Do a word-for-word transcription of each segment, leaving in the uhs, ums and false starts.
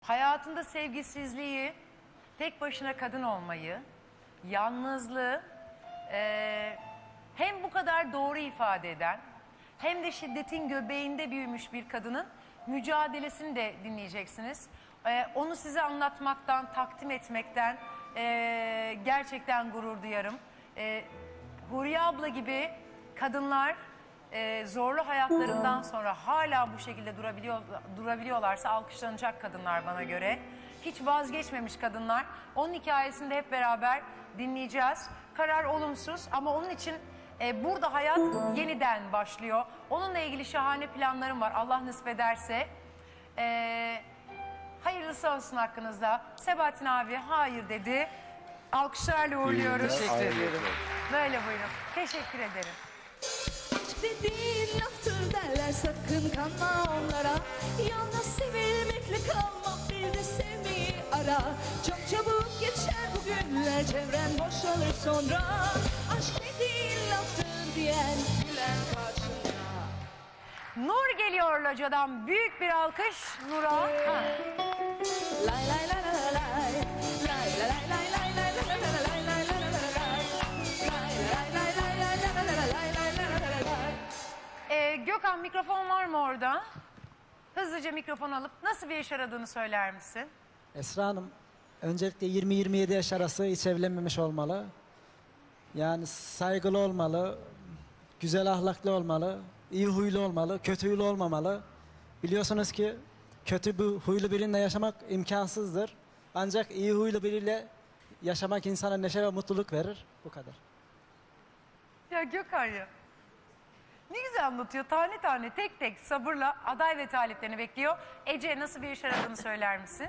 hayatında sevgisizliği, tek başına kadın olmayı, yalnızlığı e, hem bu kadar doğru ifade eden hem de şiddetin göbeğinde büyümüş bir kadının mücadelesini de dinleyeceksiniz. E, onu size anlatmaktan, takdim etmekten e, gerçekten gurur duyarım. E, Huriye abla gibi kadınlar e, zorlu hayatlarından sonra hala bu şekilde durabiliyor, durabiliyorlarsa alkışlanacak kadınlar bana göre. Hiç vazgeçmemiş kadınlar. Onun hikayesini de hep beraber dinleyeceğiz. Karar olumsuz ama onun için e, burada hayat yeniden başlıyor. Onunla ilgili şahane planlarım var Allah nasip ederse. E, hayırlısı olsun hakkınızda. Sebahattin abi hayır dedi. Alkışlarla uğurluyoruz. Teşekkür ederim. Böyle buyurun. Teşekkür ederim. Dediğin laftır derler, sakın kanma onlara. Yalnız sevilmekle kalma, bir de sevmeyi ara. Çok çabuk geçer bu günler, çevren boşalır sonra. Aşk dediğin laftır diyen gülen karşında. Nur geliyor locadan. Büyük bir alkış Nur'a. Ha. Lay lay lay lay lay. Lay lay lay lay lay lay lay lay lay lay lay lay lay. Lay lay lay lay lay lay lay lay lay lay lay. Ee, Gökhan mikrofon var mı orada? Hızlıca mikrofon alıp nasıl bir yaş aradığını söyler misin? Esra Hanım, öncelikle yirmi yirmi yedi yaş arası hiç evlenmemiş olmalı. Yani saygılı olmalı, güzel ahlaklı olmalı, iyi huylu olmalı, kötü huylu olmamalı. Biliyorsunuz ki kötü bir huylu biriyle yaşamak imkansızdır. Ancak iyi huylu biriyle yaşamak insana neşe ve mutluluk verir. Bu kadar. Ya Gökhan ya. Ne güzel anlatıyor. Tane tane tek tek sabırla aday ve taliplerini bekliyor. Ece nasıl bir iş aradığını söyler misin?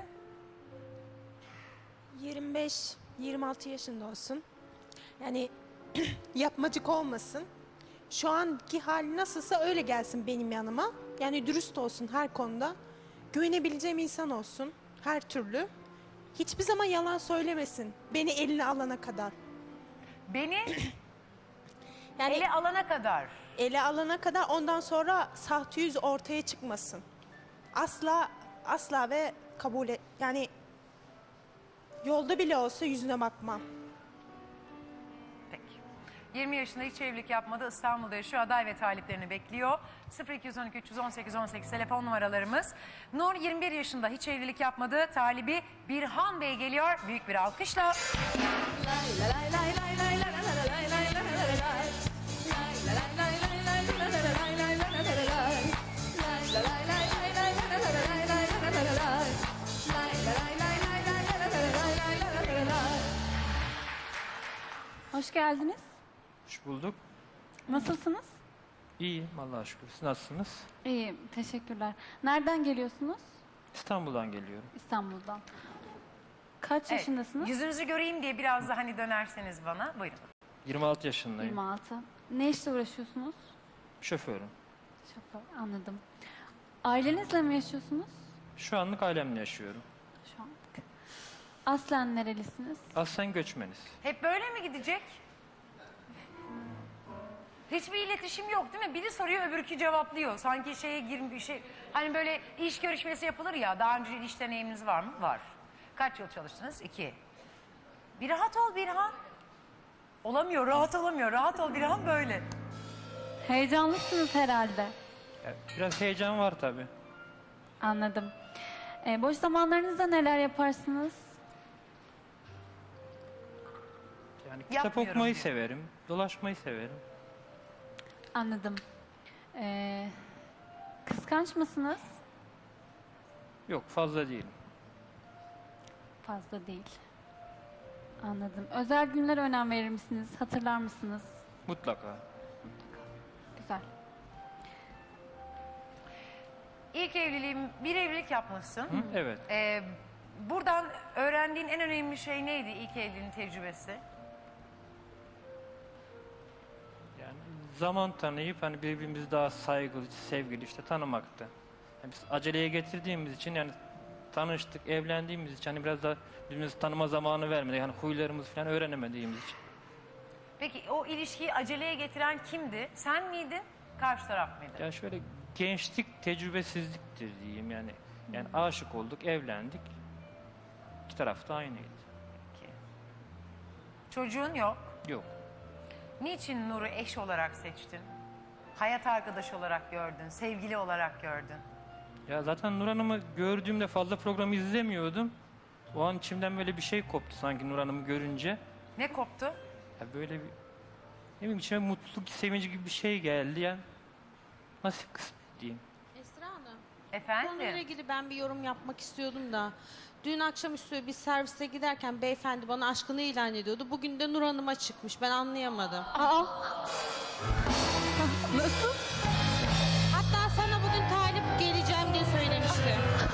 yirmi beş yirmi altı yaşında olsun. Yani yapmacık olmasın. Şu anki hali nasılsa öyle gelsin benim yanıma. Yani dürüst olsun her konuda. Güvenebileceğim insan olsun her türlü. Hiçbir zaman yalan söylemesin. Beni eline alana kadar. Beni Yani ele alana kadar. ele alana kadar, ondan sonra sahte yüz ortaya çıkmasın. Asla asla ve kabul et. Yani yolda bile olsa yüzüne bakmam. Peki. yirmi yaşında hiç evlilik yapmadı. İstanbul'da yaşıyor. Aday ve taliplerini bekliyor. sıfır iki yüz on iki üç yüz on sekiz on sekiz telefon numaralarımız. Nur yirmi bir yaşında hiç evlilik yapmadı. Talibi Birhan Bey geliyor. Büyük bir alkışla. Lay lay lay lay lay lay lay lay lay lay lay lay lay. Lay lay lay lay lay lay lay lay lay lay lay lay lay. Lay lay lay lay lay lay lay lay lay lay lay lay. Lay lay lay lay lay lay lay lay lay lay lay. Hoş geldiniz. Hoş bulduk. Nasılsınız? İyiyim Allah'a şükür. Siz nasılsınız? İyiyim, teşekkürler. Nereden geliyorsunuz? İstanbul'dan geliyorum. İstanbul'dan. Kaç Evet, yaşındasınız? yüzünüzü göreyim diye biraz da hani dönerseniz bana. Buyurun. yirmi altı yaşındayım. yirmi altı. Ne işle uğraşıyorsunuz? Şoförüm. Şoför, anladım. Ailenizle mi yaşıyorsunuz? Şu anlık ailemle yaşıyorum. Şu anlık. Aslen nerelisiniz? Aslen göçmeniz. Hep böyle mi gidecek? Hiçbir iletişim yok değil mi? Biri soruyor öbürkü cevaplıyor. Sanki şeye girmiş bir şey. Hani böyle iş görüşmesi yapılır ya. Daha önce iş deneyiminiz var mı? Var. Kaç yıl çalıştınız? İki. Bir rahat ol Birhan. Olamıyor, rahat olamıyor. Rahat ol Birhan böyle. Heyecanlısınız herhalde. Yani biraz heyecan var tabii. Anladım. Ee, boş zamanlarınızda neler yaparsınız? Yani kitap Yapmıyorum okumayı diyor. severim. Dolaşmayı severim. Anladım. Ee, kıskanç mısınız? Yok fazla değilim. Fazla değil. Anladım. Özel günlere önem verir misiniz? Hatırlar mısınız? Mutlaka. Güzel. İlk evliliğim, bir evlilik yapmışsın. Hı? Evet. Ee, buradan öğrendiğin en önemli şey neydi ilk evliliğin tecrübesi? Yani zaman tanıyıp hani birbirimizi daha saygılı, sevgili işte tanımaktı. Yani biz aceleye getirdiğimiz için yani tanıştık, evlendiğimiz için hani biraz da birbirimizi tanıma zamanı vermedik. Yani huylarımızı falan öğrenemediğimiz için. Peki o ilişkiyi aceleye getiren kimdi? Sen miydin? Karşı taraf mıydı? Ya şöyle gençlik tecrübesizliktir diyeyim yani. Yani aşık olduk, evlendik. İki taraf da aynıydı. Peki. Çocuğun yok. Yok. Niçin Nur'u eş olarak seçtin? Hayat arkadaşı olarak gördün, sevgili olarak gördün. Ya zaten Nur Hanım'ı gördüğümde fazla programı izlemiyordum. O an içimden böyle bir şey koptu sanki Nur Hanım'ı görünce. Ne koptu? Ya böyle bir, ne bileyim, içime mutluluk, sevinci gibi bir şey geldi yani. Nasip kısmet diyeyim. Esra Hanım, Efendim? konuyla ilgili ben bir yorum yapmak istiyordum da. Dün akşamüstü bir servise giderken beyefendi bana aşkını ilan ediyordu. Bugün de Nur Hanım'a çıkmış. Ben anlayamadım. Aa, nasıl? Hatta sana bugün talip geleceğim diye söylemişti.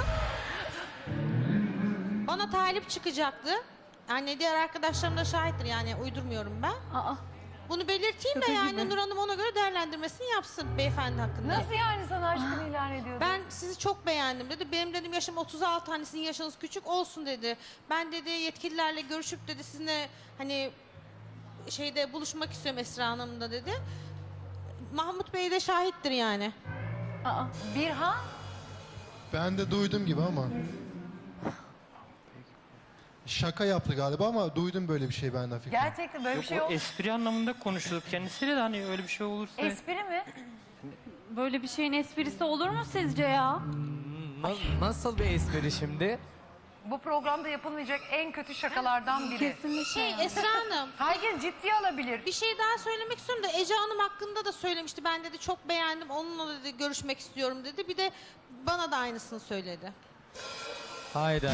Bana talip çıkacaktı. Yani diğer arkadaşlarım da şahittir, yani uydurmuyorum ben. Aa, Bunu belirteyim de Şaka yani gibi. Nur Hanım ona göre değerlendirmesini yapsın beyefendi hakkında. Nasıl yani sana aşkını ilan ediyordu? Ben sizi çok beğendim dedi. Benim dedim yaşım otuz altı, hani sizin yaşınız küçük olsun dedi. Ben dedi yetkililerle görüşüp dedi sizinle hani şeyde buluşmak istiyorum Esra Hanım'da dedi. Mahmut Bey de şahittir yani. aa. Birhan? Ben de duydum gibi ama. Şaka yaptı galiba ama duydum böyle bir şey ben de fikrim. Gerçekten böyle Yok, bir şey o yok. espri anlamında konuşuyorduk kendisiyle de, hani öyle bir şey olursa. Espri mi? Böyle bir şeyin esprisi olur mu sizce ya? Na- nasıl bir espri şimdi? Bu programda yapılmayacak en kötü şakalardan biri. Kesinlikle. Şey Esra Hanım, Herkes ciddiye alabilir. bir şey daha söylemek istiyorum da Ece Hanım hakkında da söylemişti. Ben dedi çok beğendim, onunla dedi görüşmek istiyorum dedi. Bir de bana da aynısını söyledi. Hayda.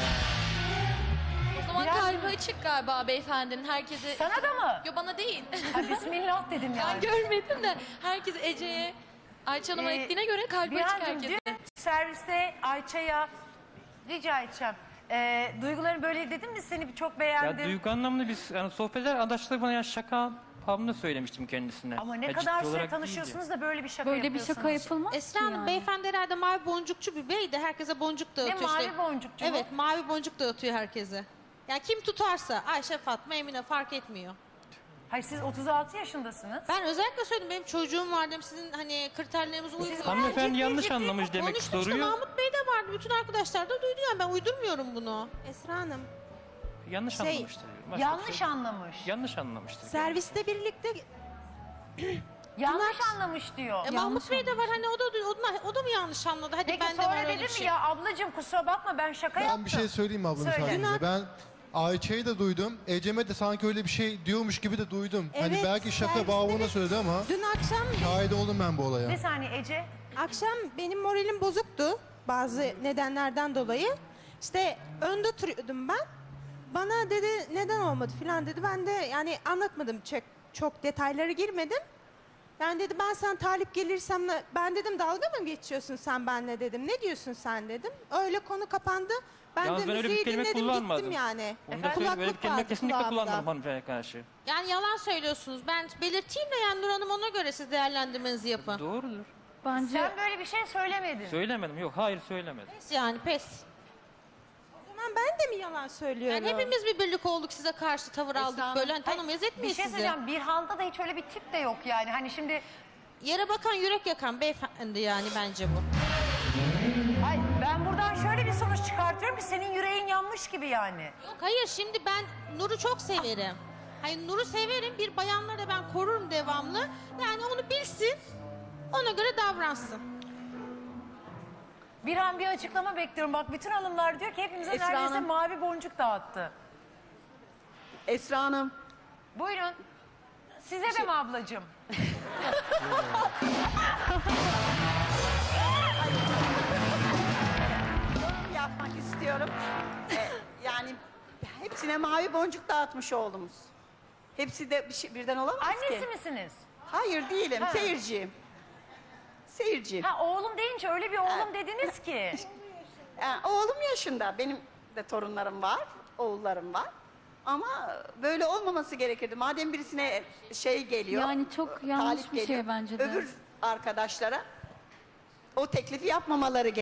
O zaman Biraz- kalbi açık galiba beyefendinin, herkese... Sana da mı? Yo, bana değil. Ha, Bismillah dedim Ben yani. görmedim de herkes Ece'ye, Ayça Hanım'a Ee, ettiğine göre kalbi açık Birhancığım, herkese. dün serviste Ayça'ya rica edeceğim. Ee, duygularını böyle dedim mi, seni çok Ya beğendim. duygu anlamında biz yani sohbetler, arkadaşlar bana ya şaka babında söylemiştim kendisine. Ama ne Ya ciddi kadar süre olarak tanışıyorsunuz da böyle bir şaka Böyle bir yapıyorsunuz. şaka yapılmaz Esra ki Hanım yani. beyefendi herhalde mavi boncukçu bir bey de herkese boncuk dağıtıyor. Ne mavi işte. boncukçu bu? Evet, mavi boncuk dağıtıyor herkese. Yani kim tutarsa Ayşe, Fatma, Emine fark etmiyor. Hayır, siz otuz altı yaşındasınız. Ben özellikle söyledim, benim çocuğum var dedim, sizin hani kriterlerinize uymuyor. Hanımefendi ciddi yanlış ciddi anlamış demek Konuştum işte, soruyor. Mahmut Bey de vardı, bütün arkadaşlar da duydu yani, ben uydurmuyorum bunu. Esra Hanım, Yanlış Şey, anlamıştır. Başka bir Yanlış şey- anlamış. Yanlış anlamıştır. serviste birlikte Yanlış anlamış diyor. E, Mahmut Bey de var hani, o da, o da, o da mı yanlış anladı? Hadi Peki ben de sonra var öyle dedim bir mi şey. ya ablacığım kusura bakma ben şaka Ben yaptım. bir şey söyleyeyim mi abla Söyle. müsaadenizle? Ben Ayça'yı da duydum. Ecem'e de sanki öyle bir şey diyormuş gibi de duydum. hani Evet, belki şaka serviste bağımına bir- söyledi ama dün akşam şahit oldum ben bu olaya. Bir saniye Ece. akşam benim moralim bozuktu bazı nedenlerden dolayı. İşte önde oturuyordum ben. Bana dedi neden olmadı filan dedi. Ben de yani anlatmadım, çok, çok detaylara girmedim. Yani dedi ben sen talip gelirsem ne- ben dedim dalga mı geçiyorsun sen benimle dedim. Ne diyorsun sen dedim. Öyle konu kapandı. Ben Yalnız de ben öyle bir müziği kelime dinledim kullanmadım. gittim yani. Onu da Efendim? söyleyeyim, böyle bir Kulaklık kelime vardı kesinlikle kulağımda. kullanmadım hanımefendiye karşı. Yani yalan söylüyorsunuz. Ben belirteyim de yani Nur Hanım, ona göre siz değerlendirmenizi yapın. Doğrudur. Bence Sen böyle bir şey söylemedin. Söylemedim. Yok, hayır söylemedim. Pes yani, pes. O zaman ben de mi yalan söylüyorum? Yani hepimiz bir birlik olduk, size karşı tavır aldık Esra böyle. Hanım, Hani tanımayız Bir etmeyiz şey sizi. söyleyeceğim. Birhan'da da hiç öyle bir tip de yok yani. Hani şimdi Yere bakan yürek yakan beyefendi yani, bence bu. ay, ben buradan şöyle bir sonuç çıkartıyorum ki senin yüreğin yanmış gibi yani. Yok hayır, şimdi ben Nur'u çok severim. Hayır, Nur'u severim, bir bayanları da ben korurum devamlı. Yani onu bilsin, ona göre davransın. Birhan bir açıklama bekliyorum. Bak bütün hanımlar diyor ki hepimize Esra neredeyse Hanım. mavi boncuk dağıttı. Esra Hanım, Buyurun. Size de mi ablacığım? yorum yapmak istiyorum. Ee, yani hepsine mavi boncuk dağıtmış oğlumuz. Hepsi de bir şey, birden olamaz Annesi ki. misiniz? Hayır değilim, Ha. seyirciyim. Seyirciyim. Ha oğlum deyince öyle bir oğlum dediniz ki. Yani oğlum yaşında, benim de torunlarım var, oğullarım var. Ama böyle olmaması gerekirdi. Madem birisine şey geliyor, Yani çok yanlış talip bir şey geliyor, bence de. öbür arkadaşlara o teklifi yapmamaları gerekiyor.